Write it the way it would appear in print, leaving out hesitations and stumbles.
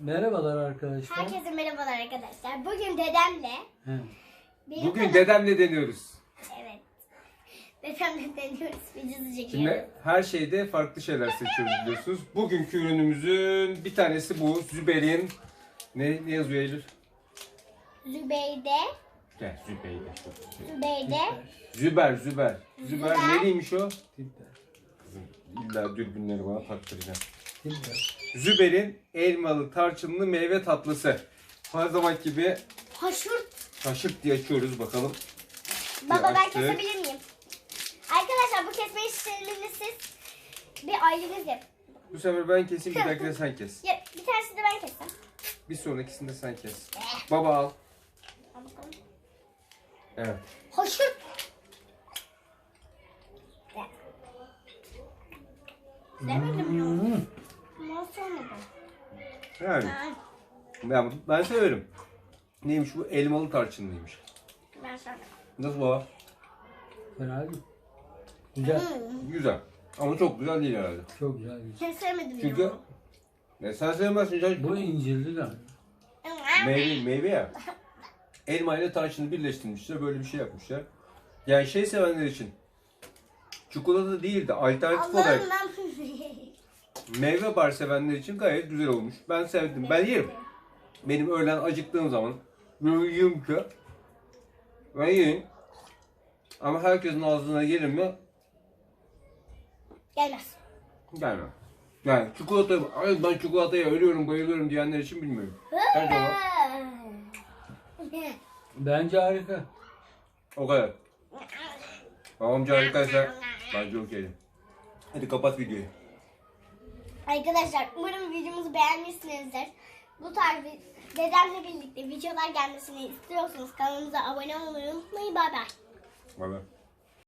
Merhabalar arkadaşlar. Herkese merhabalar arkadaşlar. Bugün dedemle Bugün dedemle deniyoruz. Evet. Dedemle deniyoruz. Videosu çekiyoruz. Şimdi her şeyde farklı şeyler seçiyoruz biliyorsunuz. Bugünkü ürünümüzün bir tanesi bu. Züber'in ne yazıyor Eylül? Zübeyde. Gel Zübeyde. Zübeyde. Züber. Züber. Nereymiş o? Tipler. İlla dürbünleri bana taktıracağım. Tipler. Züber'in elmalı tarçınlı meyve tatlısı. Her zaman gibi Haşurt. kaşık diye açıyoruz bakalım. Baba ben açtık. kesebilir miyim? Arkadaşlar bu kesme işlemini siz bir aileniz yap. Bu sefer ben keseyim, bir dahakine sen kes. Ya, bir tanesini de ben kessem. Bir sonrakisini de sen kes. Baba al. Al bakalım. Evet. Haşurt. Demedim ya. Nasıl olmadı? Yani ben severim. Neymiş bu? Elmalı tarçınlıymış. Ben sana. Nasıl baba? Fena değil. Güzel. Güzel. Ama çok güzel değil herhalde. Çok güzel. Güzel. Kesemedim Çünkü ya. sen sevmezsin canım. Bu incirli de. Meyve ya. Elma ile tarçını birleştirmişler. Böyle bir şey yapmışlar. Yani şey sevenler için çikolata değil de alternatif olarak Allah'ım ben meyve bar sevenler için gayet güzel olmuş. Ben sevdim. Ben yerim. Benim öğlen acıktığım zaman böyle yiyorum ki ben yiyeyim. Ama herkesin ağzına gelir mi? Gelmez. Gelmem. Yani çikolata, ay ben çikolataya ölüyorum, bayılıyorum diyenler için bilmiyorum. Bence Bence harika. o kadar. Babamca harikaysa bence okey. Hadi kapat videoyu. Arkadaşlar umarım videomuzu beğenmişsinizdir. Bu tarz dedemle birlikte videolar gelmesini istiyorsanız kanalımıza abone olmayı unutmayın. Bay bay. Bay bay.